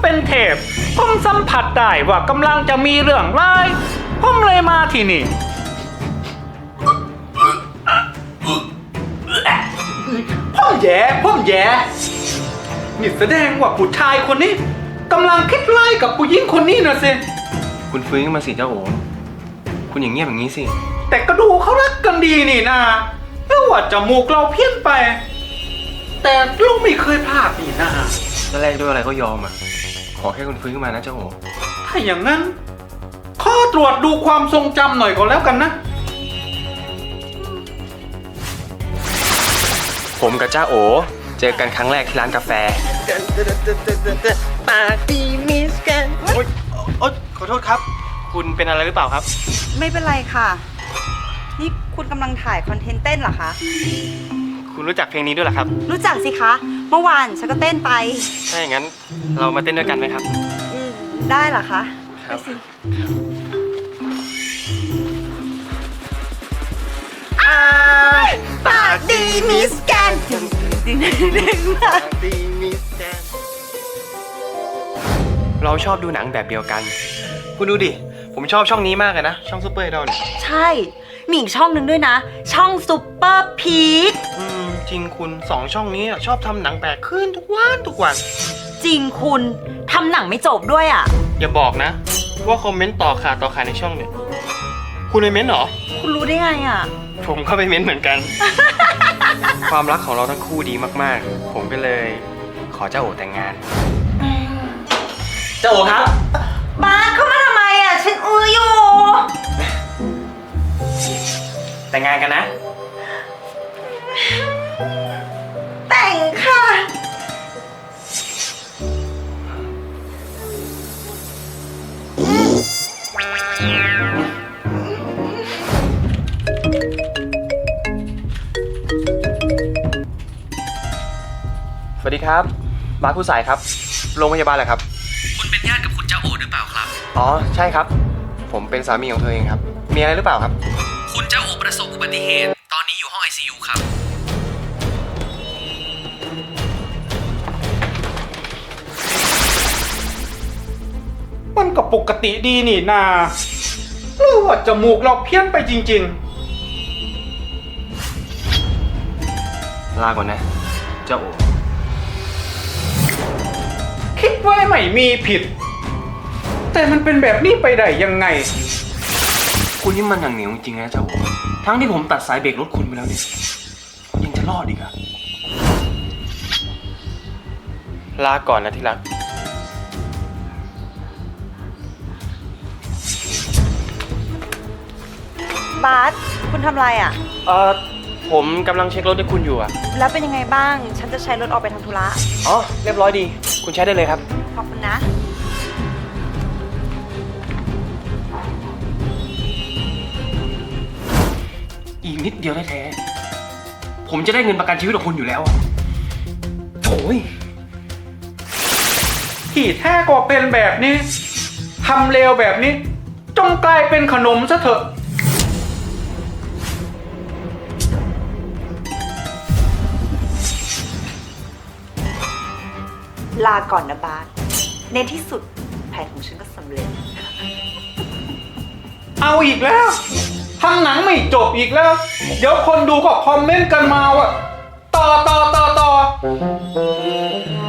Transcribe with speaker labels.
Speaker 1: เป็นเทพผมสัมผัสได้ว่ากำลังจะมีเรื่องร้ายผมเลยมาที่นี่ผมแย่นี่แสดงว่าผู้ชายคนนี้กำลังคิดไล่กับผู้หญิงคนนี้นะสิ
Speaker 2: คุณฟื้นขึ้นมาสิเจ้าโอคุณอย่างเงียบอย่างนี้สิ
Speaker 1: แต่ก็ดูเขารักกันดีนี่นะแล้วว่าจมูกเราเพี้ยนไป แต่ลูกไม่เคยพลาดนี่นะ
Speaker 2: แรกด้วยอะไรก็ยอมอ่ะ ขอแค่คุณฟื้นขึ้นมานะเจ้าโอ
Speaker 1: ถ้าอย่างนั้นขอตรวจดูความทรงจำหน่อยก็แล้วกันนะ
Speaker 2: ผมกับเจ้าโอเจอกันครั้งแรกที่ร้านกาแฟปาร์ตี้มิสกันโอ๊ยขอโทษครับ คุณเป็นอะไรหรือเปล่าครับ
Speaker 3: ไม่เป็นไรค่ะ นี่คุณกำลังถ่ายคอนเทนต์เต้นเหรอคะ
Speaker 2: คุณรู้จักเพลงนี้ด้วยเหรอครับ
Speaker 3: รู้จักสิคะ เมื่อวานฉันก็เต้นไป
Speaker 2: ถ้าอย่างนั้นเรามาเต้นด้วยกันไหมครับ
Speaker 3: ได้เหรอคะ
Speaker 2: ครับ
Speaker 3: ไปสิปากดีมิสแกน
Speaker 2: ปาร์ตี้มิสกันเราชอบดูหนังแบบเดียวกัน คุณดูดิ ผมชอบช่องนี้มากเลยนะ ช่องซูเปอร์ไอดอลเนี่ย
Speaker 3: ใช่ มีอีกช่องหนึ่งด้วยนะ ช่องซุปเปอร์พีค
Speaker 2: จริงคุณ2ช่องนี้ชอบทำหนังแปลกขึ้นทุกวัน
Speaker 3: จริงคุณทำหนังไม่จบด้วยอ่ะ
Speaker 2: อย่าบอกนะ ว่าคอมเมนต์ต่อขาในช่องเนี่ย คุณไปเม้นต์เหรอ
Speaker 3: คุณรู้ได้ไงอ่ะ
Speaker 2: ผมก็ไปเม้นต์เหมือนกัน ความรักของเราทั้งคู่ดีมากๆ ผมก็เลยขอเจ้าโอแต่งงาน เจ้าโอครับ
Speaker 3: บาสเข้ามาทำไมอ่ะ ฉันอยู่
Speaker 2: แต่งงานกันนะ
Speaker 3: แต่งค่ะ
Speaker 2: สวัสดีครับ บาสผู้สายครับ โรงพยาบาลเหรอครับ
Speaker 1: คุณเป็นญาติกับคุณเจ้าโอหรือเปล่าครับ
Speaker 2: อ๋อ ใช่ครับ ผมเป็นสามีของเธอเองครับ มีอะไรหรือเปล่าครับ
Speaker 1: คุณเจ้าโอประสบอุบัติเหตุ ตอนนี้อยู่ห้อง ICU ครับ มันก็ปกติดีนี่นาหรือว่าจมูกเราเพี้ยนไปจริงๆ
Speaker 2: ลาก่อนนะ เจ้าโอ
Speaker 1: คิดว่าไม่มีผิด แต่มันเป็นแบบนี้ไปได้ยังไง
Speaker 2: คุณนี่มันหนังเหนียวจริงๆนะเจ้าโอทั้งที่ผมตัดสายเบรกรถคุณไปแล้วเนี่ยยังจะรอดอีกอะลาก่อนนะที่รัก
Speaker 3: บาสคุณทำอะไรอ่ะ
Speaker 2: ผมกำลังเช็ครถให้คุณอยู่อะ
Speaker 3: แล้วเป็นยังไงบ้าง ฉันจะใช้รถออกไปทำธุระ
Speaker 2: อ๋อ เรียบร้อยดี คุณใช้ได้เลยครับ
Speaker 3: ขอบคุณนะ
Speaker 2: อีกนิดเดียวแท้ๆผมจะได้เงินประกันชีวิตของคุณอยู่แล้วอะโอ้ย
Speaker 1: ที่แท้ก็เป็นแบบนี้ ทำเลวแบบนี้ จงกลายเป็นขนมซะเถอะ
Speaker 3: ลาก่อนนะบาสในที่สุดแผนของฉันก็สำเร็จ
Speaker 1: เอาอีกแล้วทำหนังไม่จบอีกแล้ว เดี๋ยวคนดูก็คอมเมนต์กันมาว่าต่อ